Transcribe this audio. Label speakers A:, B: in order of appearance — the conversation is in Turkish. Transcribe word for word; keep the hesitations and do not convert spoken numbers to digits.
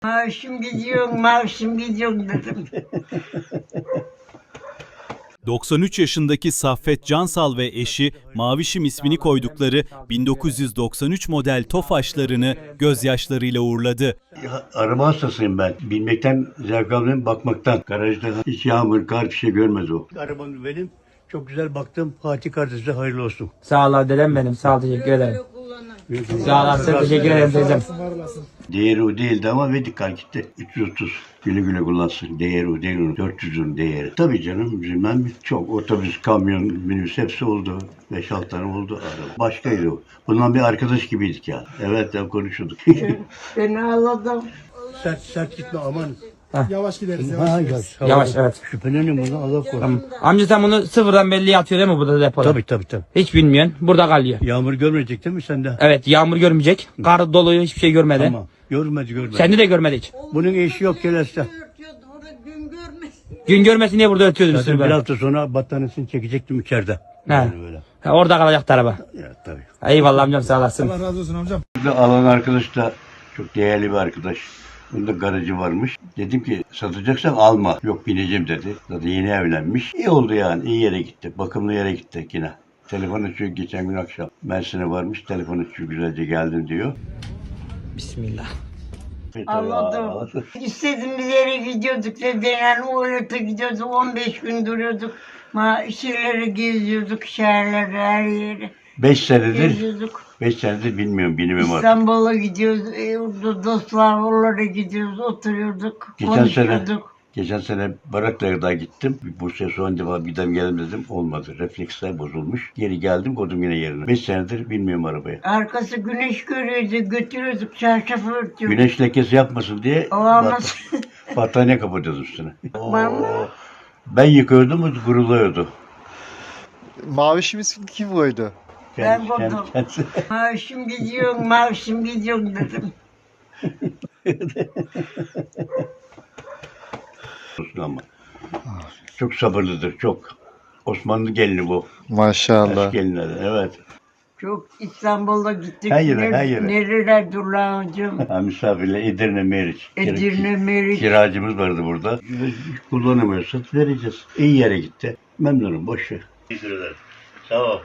A: Maaşım gidiyor, maaşım gidiyor dedim.
B: doksan üç yaşındaki Saffet Cansal ve eşi Mavişim ismini koydukları bin dokuz yüz doksan üç model Tofaşlarını gözyaşlarıyla uğurladı.
C: Ya, araba hastasıyım ben. Bilmekten zevk alıyorum, bakmaktan. Garajda hiç yağmur, kar bir şey görmez o. Arabamı benim. Çok güzel baktım. Fatih kardeşe hayırlı olsun.
D: Sağ ol dedem benim. Sağ ol, teşekkür ederim. Sağ ol abi, teşekkür ederim teyzem.
C: Değeri o değildi ama verdik kar gitti. üç yüz otuz. Güle güle kullansın. Değeri o değil onun. dört yüzün değeri. Tabii canım bilmem çok. Otobüs, kamyon, minibüs hepsi oldu. beş altı tane oldu araba. Başkaydı o. Bundan bir arkadaş gibiydik ya. Evet ya konuşuyorduk.
A: Ben ağladım.
C: sert sert gitme aman.
E: Yavaş gideriz.
C: Ha,
E: Yavaş.
C: yavaş.
D: Yavaş, evet.
C: Şüphelenin bunu Allah korusun.
D: Tamam. Amca sen bunu sıfırdan belli atıyor değil mi burada depoda?
C: Tabii tabii tabii.
D: Hiç bilmiyorsun. Burada kalıyor.
C: Yağmur görmeyecek değil mi sende?
D: Evet, yağmur görmeyecek. Kar doluyor, hiçbir şey görmedi.
C: Tamam. Görmedi görmedi.
D: Sende de görmedi hiç.
C: Bunun eşi yok gelirse.
A: Örtüyordu, orada gün görmesin.
D: Gün görmesin diye burada ötüyordun
C: Zaten
D: üstünü
C: bir
D: böyle.
C: hafta sonra battaniyesini çekecektim içeride.
D: He.
C: Yani böyle.
D: Ha, orada kalacaktı araba.
C: Ya tabii.
D: Eyvallah amcam, sağ olasın.
E: Allah razı olsun amcam.
C: Burada alan arkadaş da çok değerli bir arkadaş. Bunda garajı varmış. Dedim ki satacaksan alma. Yok bineceğim dedi. Zaten yeni evlenmiş. İyi oldu yani. İyi yere gitti. Bakımlı yere gitti yine. Telefon açıyor geçen gün akşam. Mersin'e varmış. Telefon açıyor güzelce geldim diyor.
D: Bismillah.
A: Ağladım. İstediğimiz yere gidiyorduk dedenen Uğur'ta gidiyorduk. on beş gün duruyorduk. Ma şeyleri geziyorduk, şehirleri, her yeri.
C: Beş senedir,
A: Geziyorduk.
C: beş senedir bilmiyorum bilmem artık.
A: İstanbul'a gidiyoruz, e, orada dostlar, oralara gidiyoruz, oturuyorduk,
C: Geçen sene,
A: konuşuyorduk.
C: geçen sene Baraklar'da gittim. Bursa'ya son defa gidelim geldim dedim. Olmadı. Refleksler bozulmuş. Geri geldim koydum yine yerine. Beş senedir bilmiyorum arabayı.
A: Arkası güneş görüyordu, götürüyorduk, çarşafı örtüyorduk.
C: Güneş lekesi yapmasın diye
A: Olamaz.
C: bat- battaniye kapatıyoruz üstüne.
A: Var mı?
C: Ben yıkıyordum, o kuruluyordu.
E: Mavişim ismini kim koydu?
A: Ben
C: Kendi- kendi-
A: koydum.
C: kendisi.
A: Maaşım gidiyor, maaşım gidiyor dedim.
C: Olsun ama. Çok sabırlıdır, çok. Osmanlı gelini bu.
E: Maşallah.
C: Eski gelinleri, evet.
A: Çok İstanbul'a gittik.
C: Her yere,
A: Ner-
C: her yere.
A: Nereler Durlağıcığım?
C: Ha, misafirle Edirne, Meriç.
A: Edirne, Meriç.
C: Kiracımız vardı burada. Kullanamıyorsak vereceğiz. İyi yere gitti. Memnunum, boş ver. Teşekkür ederim. Sağ ol.